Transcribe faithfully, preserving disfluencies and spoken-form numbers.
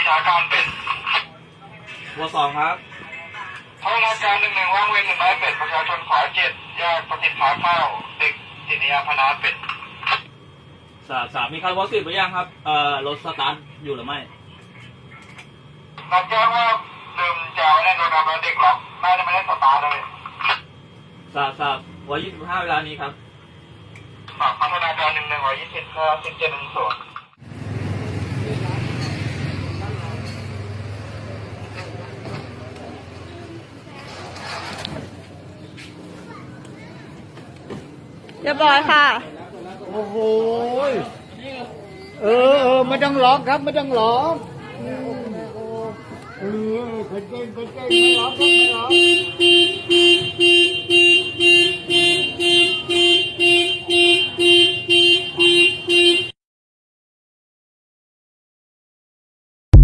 ชาการเป็ดวสองครับพัฒนาการหนึ่งหนึ่งว่างเว้นหนึ่งไม้เป็ดประชาชนขวาเจ็ดแยกปฏิภาข้าวเด็กสินียาพนาเป็ดสามสามมีคาร์บอนสิบหรือยังครับเอ่อรถสตาร์ทอยู่หรือไม่รับแจ้งว่าลืมแจวไว้ในโรงแรมเด็กหรอกน่าจะไม่ได้สตาร์ทเลยสามสามวันยี่สิบห้าเวลานี้ครับพัฒนาการหนึ่งหนึ่งร้อยยี่สิบห้าสิบเจ็ดหนึ่งศูนย์เรียบร้อยค่ะโอ้โหเออเออไม่ต้องร้องครับไม่ต้องร้องเออเขินเก่งเขินเก่งไม่ร้องครับไม่ร้อง